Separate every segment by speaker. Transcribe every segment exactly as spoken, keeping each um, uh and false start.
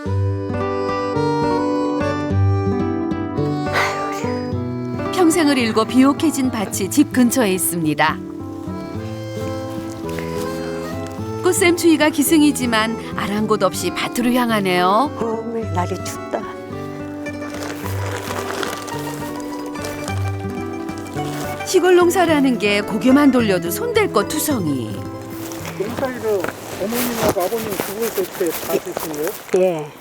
Speaker 1: 평생을 일궈 비옥해진 밭이 집 근처에 있습니다. 꽃샘추위가 기승이지만 아랑곳 없이 밭으로 향하네요.
Speaker 2: 어머, 날이 춥다.
Speaker 1: 시골 농사라는 게 고개만 돌려도 손댈 것 투성이.
Speaker 3: 농사일을 어머님하고 아버님 두 분이서 이렇게 다 하신 거예요?
Speaker 2: 예.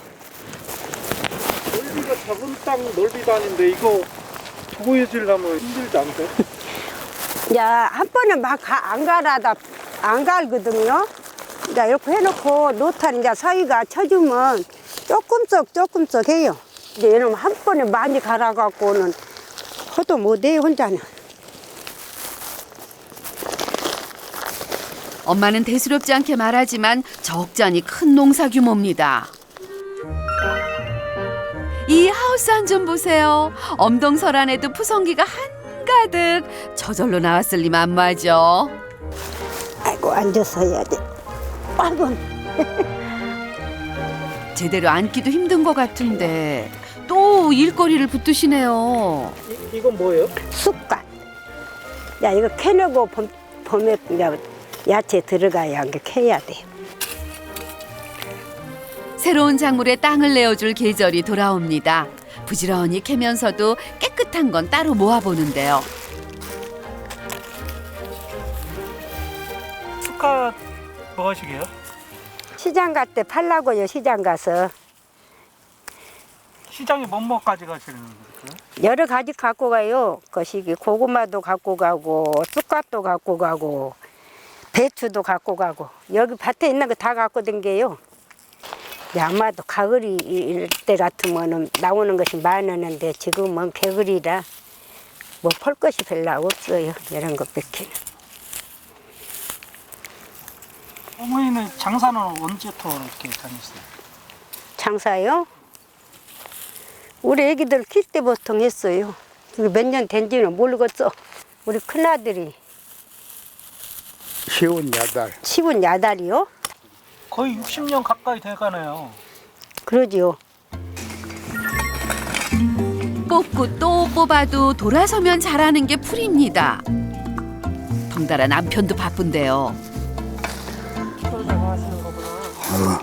Speaker 3: 넓이가 작은 땅 넓이도 아닌데 이거 두고 해주려면 힘들지 않으세요?
Speaker 2: 야, 한 번에 막 안 갈아다, 안 갈거든요. 이제 이렇게 해놓고 노탈 이제 서희가 쳐주면 조금씩 조금씩 해요. 이제 이러면 한 번에 많이 갈아갖고는 허도 못해요, 혼자는.
Speaker 1: 엄마는 대수롭지 않게 말하지만 적잖이 큰 농사 규모입니다. 이 하우스 안 좀 보세요. 엄동설안에도 푸성기가 한가득. 저절로 나왔을 리 만무하죠.
Speaker 2: 아이고, 앉아서 해야 돼. 아이고.
Speaker 1: 제대로 앉기도 힘든 것 같은데 또 일거리를 붙드시네요.
Speaker 3: 이, 이건 뭐예요?
Speaker 2: 쑥갓. 야, 이거 캐내고 봄, 봄에 이제 야채 들어가야 이게 캐야 돼요.
Speaker 1: 새로운 작물에 땅을 내어줄 계절이 돌아옵니다. 부지런히 캐면서도 깨끗한 건 따로 모아보는데요.
Speaker 3: 축하 뭐 하시게요?
Speaker 2: 시장 갈 때 팔라고요, 시장 가서.
Speaker 3: 시장에 뭐뭐까지 가시는 거예요?
Speaker 2: 여러 가지 갖고 가요. 거시기 고구마도 갖고 가고 쑥갓도 갖고 가고 배추도 갖고 가고 여기 밭에 있는 거 다 갖고 댕겨요. 아마도 가을이 때 같으면 나오는 것이 많았는데 지금은 개구리라 뭐 펄 것이 별로 없어요. 이런 것 뺏기는.
Speaker 3: 어머니는 장사는 언제부터 이렇게 다녔어요?
Speaker 2: 장사요? 우리 애기들 킬 때 보통 했어요. 몇 년 된지는 모르겠어. 우리 큰아들이
Speaker 4: 쉬운 야달.
Speaker 2: 시분 야달이요?
Speaker 3: 거의 육십 년 가까이 돼가네요.
Speaker 2: 그러지요.
Speaker 1: 뽑고 또 뽑아도 돌아서면 잘하는 게 풀입니다. 덩달아 남편도 바쁜데요.
Speaker 4: 어.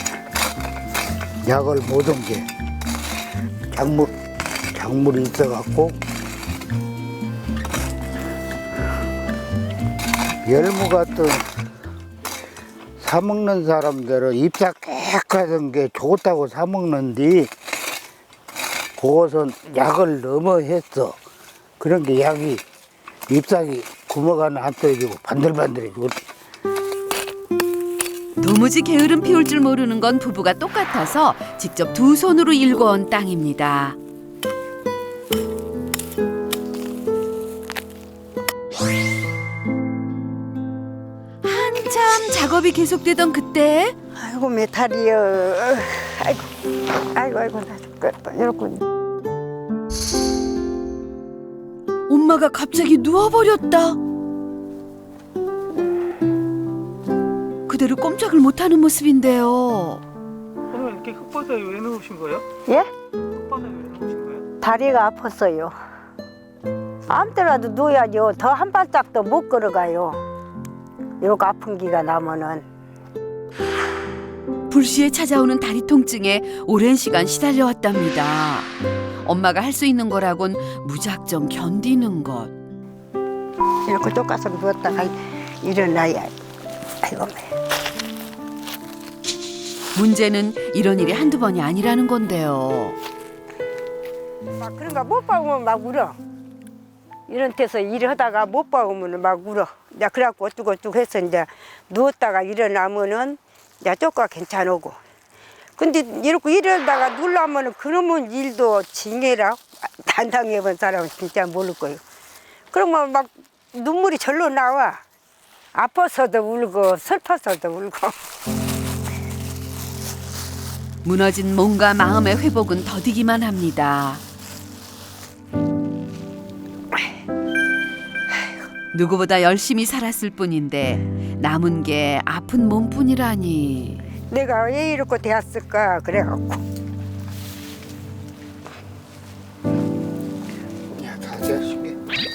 Speaker 4: 약을 못 온 게 작물 작물이 있어갖고 열무 같은 사 먹는 사람들은 잎사 깨끗한 게 좋다고 사 먹는데 그것은 약을 너무 했어. 그런 게 약이 잎사귀 구멍 안 떨어지고 반들반들해지고.
Speaker 1: 도무지 게으름 피울 줄 모르는 건 부부가 똑같아서 직접 두 손으로 일궈온 땅입니다. 한참 작업이 계속되던 그때
Speaker 2: 아이고 메탈이요. 아이고 아이고 아이고 나 죽겠다. 이렇게
Speaker 1: 엄마가 갑자기 누워버렸다. 그대로 꼼짝을 못하는 모습인데요.
Speaker 3: 어머니 이렇게 흙바닥에 왜 누우신 거예요?
Speaker 2: 예?
Speaker 3: 흙바닥에 왜 누우신 거예요?
Speaker 2: 다리가 아팠어요. 아무 때라도 누워야죠. 더 한 발짝도 못 걸어가요. 이렇게 아픈 기가 나면은.
Speaker 1: 불시에 찾아오는 다리 통증에 오랜 시간 시달려왔답니다. 엄마가 할 수 있는 거라곤 무작정 견디는 것.
Speaker 2: 이렇게 똑같이 누웠다가 일어나야. 아이고.
Speaker 1: 문제는 이런 일이 한두 번이 아니라는 건데요.
Speaker 2: 막 그런가 못 봐보면 막 울어. 이런 데서 일하다가 못 봐보면 막 울어. 이제 그래갖고 어쩌고저쩌고 해서 이제 누웠다가 일어나면은 이제 조금 괜찮고. 근데 이렇게 일하다가 누우려면은 그러면 일도 징해라. 단당해본 사람은 진짜 모를 거예요. 그러면 막 눈물이 절로 나와. 아파서도 울고 슬퍼서도 울고.
Speaker 1: 무너진 몸과 마음의 회복은 더디기만 합니다. 누구보다 열심히 살았을 뿐인데 남은 게 아픈 몸뿐이라니.
Speaker 2: 내가 왜 이렇게 되었을까 그래갖고.
Speaker 4: 야, 다 자식이.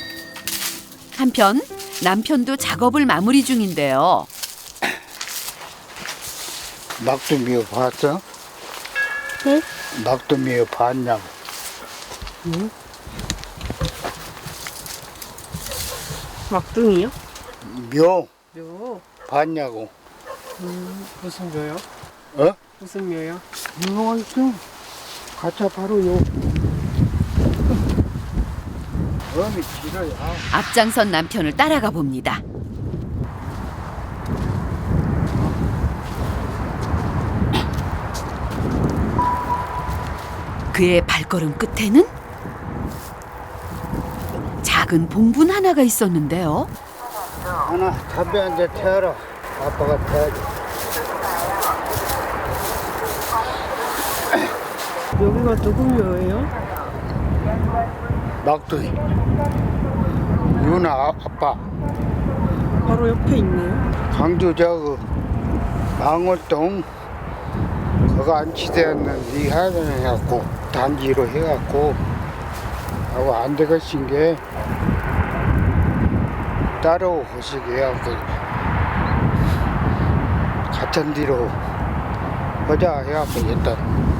Speaker 1: 한편 남편도 작업을 마무리 중인데요.
Speaker 4: 막두미어 봤어?
Speaker 2: 응?
Speaker 4: 막두미어 봤냐고.
Speaker 2: 막둥이요?
Speaker 4: 묘
Speaker 3: 요
Speaker 4: 봤냐고.
Speaker 3: 무슨 묘요?
Speaker 4: 어?
Speaker 3: 무슨 묘요?
Speaker 4: 묘가 있어. 가짜 바로 요. 어미 길어요.
Speaker 1: 앞장선 남편을 따라가 봅니다. 그의 발걸음 끝에는 작은 봉분 하나가 있었는데요.
Speaker 4: 하나 담배 한 대 태워라. 아빠가 태워야지.
Speaker 3: 여기가 누구 묘예요?
Speaker 4: 막두이. 유나 아- 아빠.
Speaker 3: 바로 옆에 있네요.
Speaker 4: 광주 저그 망월동 그거 안치대였는데 하여튼 해갖고 단지로 해갖고 하고 안 되겠신 게 따로 호식 해갖고 같은 뒤로 하자 해갖고 일단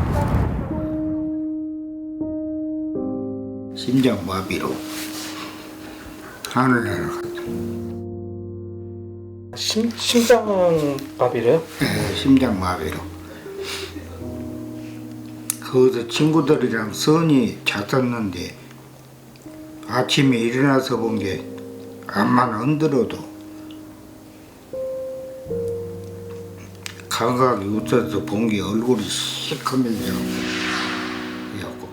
Speaker 4: 심장마비로 하늘나라 갔다.
Speaker 3: 심, 심장밥이래요?
Speaker 4: 네, 심장마비로. 거기서 친구들이랑 선이 잤었는데 아침에 일어나서 본 게 암만 흔들어도 감각이 없어서 본 게 얼굴이 시커매져. 그래갖고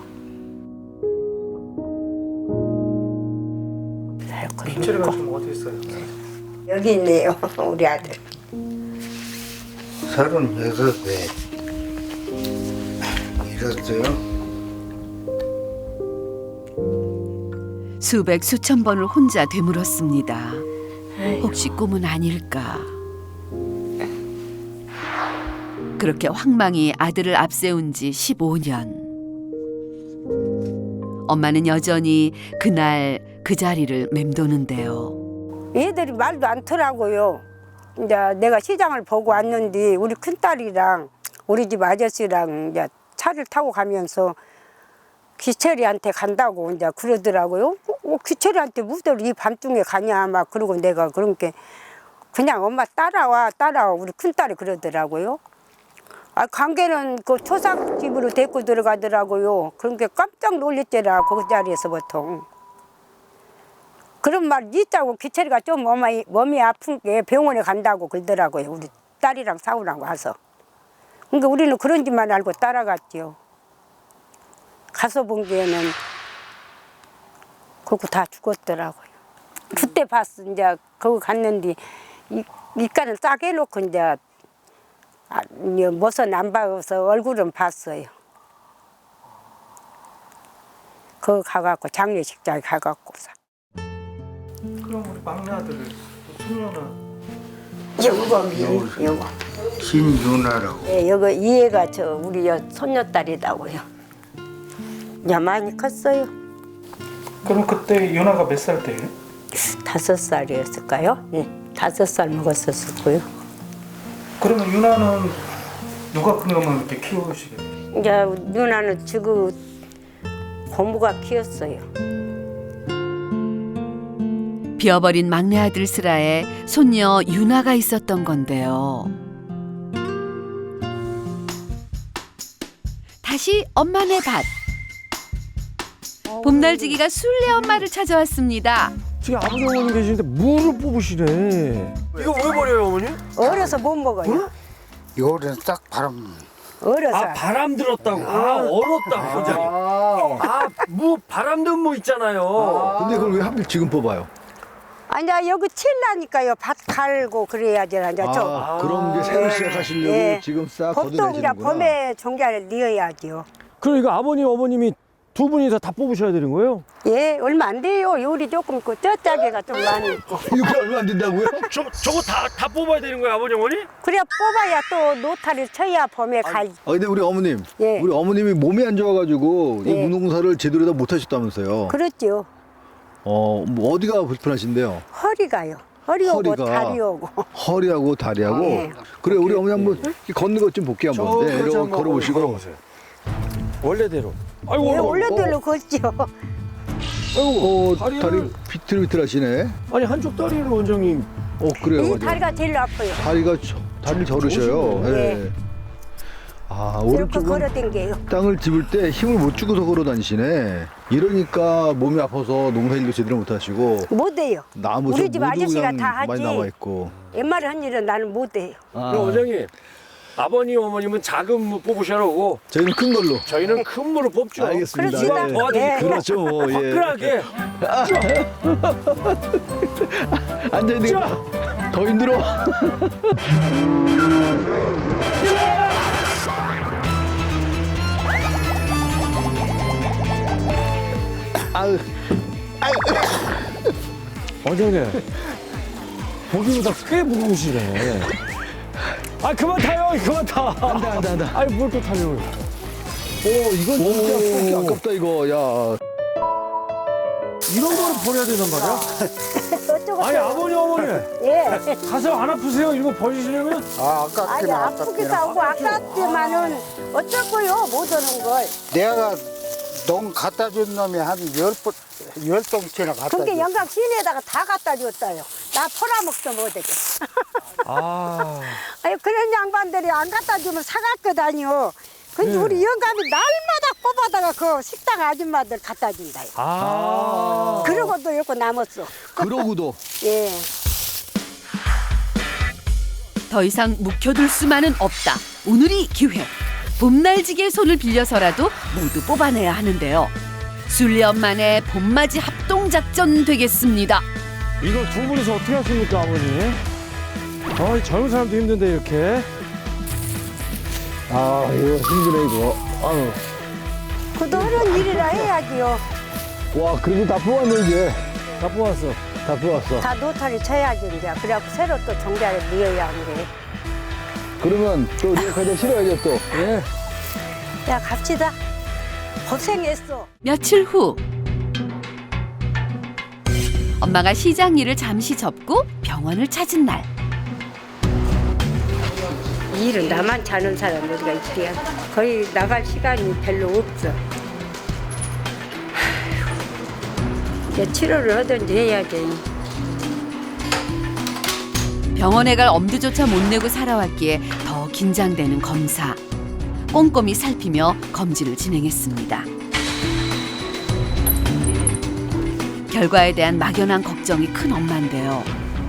Speaker 3: 기체를 좀 어디 있어요?
Speaker 2: 여기 있네요. 우리 아들.
Speaker 4: 서른여섯 에 잃었어요.
Speaker 1: 수백 수천 번을 혼자 되물었습니다. 혹시 꿈은 아닐까? 그렇게 황망히 아들을 앞세운 지 십오 년. 엄마는 여전히 그날 그 자리를 맴도는데요.
Speaker 2: 얘들이 말도 않더라고요. 이제 내가 시장을 보고 왔는데 우리 큰딸이랑 우리 집 아저씨랑 이제 차를 타고 가면서 귀철이한테 간다고 이제 그러더라고요. 어, 귀철이한테 무슨 이 밤중에 가냐 막 그러고 내가 그런 게 그냥 엄마 따라와 따라와 우리 큰딸이 그러더라고요. 아 관계는 그 초상집으로 데리고 들어가더라고요. 그런 게 깜짝 놀랬더라 그 자리에서 보통. 그런 말 있다고 귀철이가 좀 몸이, 몸이 아픈 게 병원에 간다고 그러더라고요. 우리 딸이랑 싸우라고 와서. 그러니까 우리는 그런 짓만 알고 따라갔죠. 가서 본 게는 그거 다 죽었더라고요. 그때 봤어. 이제 거기 갔는데 이, 입간을 싹 해놓고 이제 아, 못은 안 봐서 얼굴은 봤어요. 거기 가갖고 장례식장에 가갖고
Speaker 3: 그럼 우리 막내 아들을 소녀는
Speaker 2: 요거 요거
Speaker 4: 신윤아라고.
Speaker 2: 예, 여기 이 애가 저 우리 여 손녀딸이다고요. 야 많이 컸어요.
Speaker 3: 그럼 그때 윤아가 몇 살 때예요?
Speaker 2: 다섯 살이었을까요? 예, 다섯 살 먹었었을 거요.
Speaker 3: 그러면 윤아는 누가 그러면 이렇게 키우시게 돼요?
Speaker 2: 이제 누나는 지금 고모가 키웠어요.
Speaker 1: 비어버린 막내 아들 슬하에 손녀 유나가 있었던 건데요. 다시 엄마네 밭. 봄날지기가 술래 엄마를 찾아왔습니다.
Speaker 5: 지금 아버지 어머니 계시는데 물을 뽑으시네. 이거 왜 버려요 어머니?
Speaker 2: 어려서 못 먹어요.
Speaker 4: 요런 싹 바람.
Speaker 2: 어려서.
Speaker 5: 아 바람 들었다고. 아 얼었다 굉장히. 아무 바람 든 뭐 있잖아요. 근데 그걸 왜 하필 지금 뽑아요?
Speaker 2: 아니 여기 칠라니까요. 밭 갈고 그래야지. 이제 저.
Speaker 5: 아, 그럼 이제 새로 시작하시려고
Speaker 2: 예.
Speaker 5: 지금 싹
Speaker 2: 보통 이제
Speaker 5: 걷어내시는구나.
Speaker 2: 봄에 종자를 넣어야죠.
Speaker 5: 그럼 이거 아버님 어머님이
Speaker 6: 두 분이서 다 뽑으셔야 되는 거예요?
Speaker 2: 예, 얼마 안 돼요. 요리 조금 있고 쪄짜기가 좀 많이 있고.
Speaker 5: 이거 얼마 안 된다고요?
Speaker 6: 저, 저거 다, 다 뽑아야 되는 거예요, 아버지, 어머니?
Speaker 2: 그래야 뽑아야 또 노타를 쳐야 봄에 가지.
Speaker 5: 아 근데 우리 어머님,
Speaker 2: 예.
Speaker 5: 우리 어머님이 몸이 안 좋아가지고 이
Speaker 2: 예.
Speaker 5: 무농사를 제대로 다 못하셨다면서요?
Speaker 2: 그렇죠.
Speaker 5: 어, 뭐 어디가 불편하신데요?
Speaker 2: 허리가요. 허리 오고
Speaker 5: 허리가.
Speaker 2: 다리 오고.
Speaker 5: 허리하고 다리하고.
Speaker 2: 예.
Speaker 5: 그래 우리 어머니 한번 이렇게 걷는 것 좀 볼게요 한번. 네, 이렇게 걸어보시고.
Speaker 6: 원래대로. 아이고,
Speaker 2: 예,
Speaker 6: 어머,
Speaker 2: 원래대로 걷죠.
Speaker 5: 어,
Speaker 6: 다리를-
Speaker 5: 다리 비틀비틀하시네.
Speaker 6: 아니, 한쪽 다리를 원장님.
Speaker 5: 어 그래요.
Speaker 2: 이
Speaker 5: 맞아요.
Speaker 2: 다리가 제일 아파요.
Speaker 5: 다리가 저- 다리를 저르셔요.
Speaker 2: 저르시네.
Speaker 5: 예. 아
Speaker 2: 이렇게
Speaker 5: 오른쪽은
Speaker 2: 걸어댕겨요.
Speaker 5: 땅을 짚을 때 힘을 못 주고서 걸어 다니시네. 이러니까 몸이 아파서 농사일도 제대로 못 하시고
Speaker 2: 못해요.
Speaker 5: 나무
Speaker 2: 우리 집
Speaker 5: 모두
Speaker 2: 아저씨가
Speaker 5: 그냥
Speaker 2: 다
Speaker 5: 많이
Speaker 2: 하지.
Speaker 5: 남아 있고.
Speaker 2: 옛말에 한 일은 나는 못해요.
Speaker 5: 아,
Speaker 6: 그럼 원장님, 아버님, 어머님은 작은 무 뽑으셔야 하고,
Speaker 5: 저희는 큰 걸로.
Speaker 6: 저희는 큰 무를 뽑죠.
Speaker 5: 알겠습니다.
Speaker 2: 그렇습니다.
Speaker 5: 예.
Speaker 6: 도와드릴게요.
Speaker 2: 예.
Speaker 5: 그렇죠. 뭐, 예.
Speaker 6: 화끈하게.
Speaker 5: 앉아 있는 게 더 힘들어. 아유,
Speaker 6: 원장님, 보기보다 꽤 무거우시네. 아, 그만 타요, 그만 타.
Speaker 5: 안돼 안돼 안돼.
Speaker 6: 아니, 뭘 또 타려고.
Speaker 5: 오 이건 진짜 뽑기 아깝다 이거. 야.
Speaker 6: 이런 거를 버려야 된단 말이야?
Speaker 2: 어쩌고
Speaker 6: 아니, 아버님, 어머니.
Speaker 2: 예.
Speaker 6: 가슴 안 아프세요? 이거 버리시려면?
Speaker 4: 아,
Speaker 2: 아니
Speaker 4: 아깝긴
Speaker 2: 아프기도
Speaker 4: 아깝긴
Speaker 2: 하고 아깝지만은 어쩌고요 못 오는 걸.
Speaker 4: 내가 농 갖다 준 놈이 한 열 번, 열 동치나 갖다
Speaker 2: 그게
Speaker 4: 줬어.
Speaker 2: 영감 시내에다가 다 갖다 줬어요. 나 팔아먹도 못하게.
Speaker 6: 아.
Speaker 2: 아니 그런 양반들이 안 갖다 주면 사갔거든요. 근데
Speaker 6: 네.
Speaker 2: 우리 영감이 날마다 뽑아다가 그 식당 아줌마들 갖다 준다요.
Speaker 6: 아.
Speaker 2: 그러고도 요거 남았어.
Speaker 5: 그러고도
Speaker 2: 예.
Speaker 1: 더 이상 묵혀둘 수만은 없다. 오늘이 기회. 봄날지기의 손을 빌려서라도 모두 뽑아내야 하는데요. 술년 만에 봄맞이 합동작전 되겠습니다.
Speaker 6: 이걸 두 분이서 어떻게 하십니까, 아버님? 아, 이 젊은 사람도 힘든데, 이렇게.
Speaker 5: 아 이거 힘드네 이거. 아유.
Speaker 2: 그도 그런 일이라 해야지요.
Speaker 5: 와 그래도 다 뽑았네 이제.
Speaker 6: 다 뽑았어.
Speaker 5: 다 뽑았어.
Speaker 2: 다 노타리 쳐야지 이제. 그래갖고 새로 또 종자를 미어야 하는데.
Speaker 5: 그러면 또 우리가 가자 실어야죠 또.
Speaker 6: 예.
Speaker 2: 야 갑시다. 고생했어.
Speaker 1: 며칠 후 엄마가 시장 일을 잠시 접고 병원을 찾은 날.
Speaker 2: 이 일은 나만 자는 사람 우리가 있대야. 거의 나갈 시간이 별로 없어. 아휴, 이제 치료를 하든지 해야지.
Speaker 1: 병원에 갈 엄두조차 못 내고 살아왔기에 더 긴장되는 검사. 꼼꼼히 살피며 검진을 진행했습니다. 결과에 대한 막연한 걱정이 큰 엄마인데요.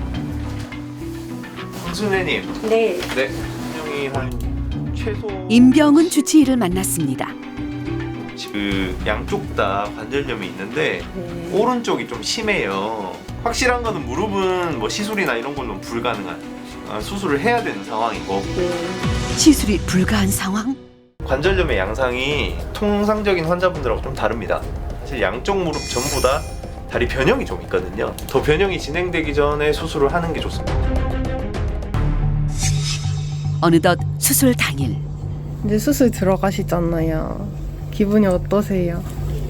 Speaker 7: 선생님,
Speaker 2: 네.
Speaker 7: 네, 분명히 한 최소
Speaker 1: 임병은 주치의를 만났습니다.
Speaker 7: 그 양쪽 다 관절염이 있는데
Speaker 2: 네.
Speaker 7: 오른쪽이 좀 심해요. 확실한 거는 무릎은 뭐 시술이나 이런 걸로는 불가능한 아, 수술을 해야 되는 상황이고
Speaker 1: 시술이 불가한 상황?
Speaker 7: 관절염의 양상이 통상적인 환자분들하고 좀 다릅니다. 사실 양쪽 무릎 전부 다 다리 변형이 좀 있거든요. 더 변형이 진행되기 전에 수술을 하는 게 좋습니다.
Speaker 1: 어느덧 수술 당일.
Speaker 8: 이제 수술 들어가시잖아요. 기분이 어떠세요?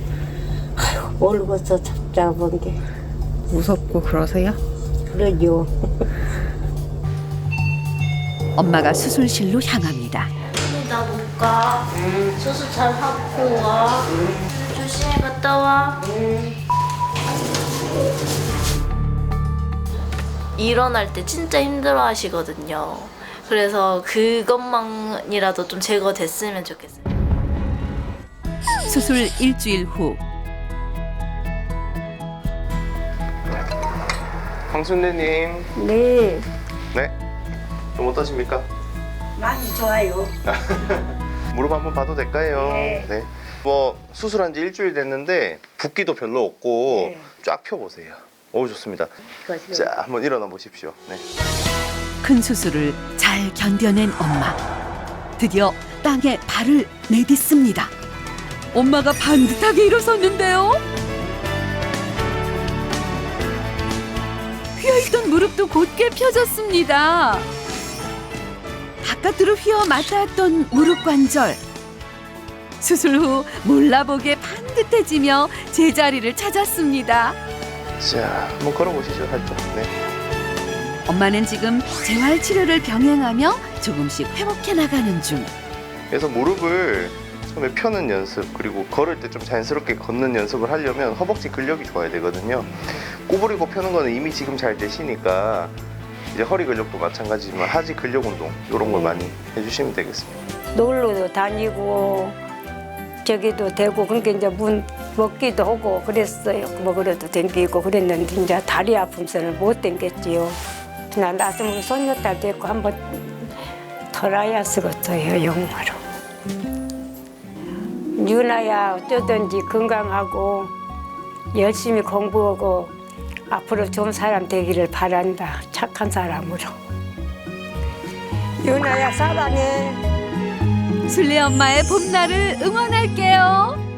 Speaker 2: 얼굴서 잡잡은 게
Speaker 8: 무섭고 그러세요?
Speaker 2: 그러죠.
Speaker 1: 엄마가 수술실로 향합니다.
Speaker 9: 나 못 가. 수술 잘 하고 와. 조심히 갔다 와. 일어날 때 진짜 힘들어 하시거든요. 그래서 그것만이라도 좀 제거됐으면 좋겠어요.
Speaker 1: 수술 일주일 후
Speaker 7: 황순대님,
Speaker 2: 네.
Speaker 7: 네, 좀 어떠십니까?
Speaker 2: 많이 좋아요.
Speaker 7: 무릎 한번 봐도 될까요?
Speaker 2: 네.
Speaker 7: 뭐 수술한 지 일주일 됐는데 붓기도 별로 없고
Speaker 2: 네.
Speaker 7: 쫙 펴보세요. 오 좋습니다. 자 한번 일어나 보십시오. 네.
Speaker 1: 큰 수술을 잘 견뎌낸 엄마. 드디어 땅에 발을 내딛습니다. 엄마가 반듯하게 일어섰는데요. 휘어있던 무릎도 곧게 펴졌습니다. 바깥으로 휘어 맞닿았던 무릎 관절. 수술 후 몰라보게 반듯해지며 제자리를 찾았습니다.
Speaker 7: 자, 한번 걸어보시죠, 살짝. 네.
Speaker 1: 엄마는 지금 재활 치료를 병행하며 조금씩 회복해 나가는 중.
Speaker 7: 그래서 무릎을 처음에 펴는 연습, 그리고 걸을 때 좀 자연스럽게 걷는 연습을 하려면 허벅지 근력이 좋아야 되거든요. 구부리고 펴는 거는 이미 지금 잘 되시니까 이제 허리 근력도 마찬가지지만 하지 근력 운동 이런 걸 많이 해주시면 되겠습니다.
Speaker 2: 놀러도 다니고 저기도 되고 그러니까 이제 문 먹기도 하고 그랬어요. 먹으러도 댕기고 그랬는데 이제 다리 아픔서는 못 댕겼지요. 나 나중에 손녀딸 됐고 한번 덜어야 쓰겠어요, 영화로. 유나야 어쩌든지 건강하고 열심히 공부하고 앞으로 좋은 사람 되기를 바란다. 착한 사람으로. 유나야 사랑해.
Speaker 1: 술래 엄마의 봄날을 응원할게요.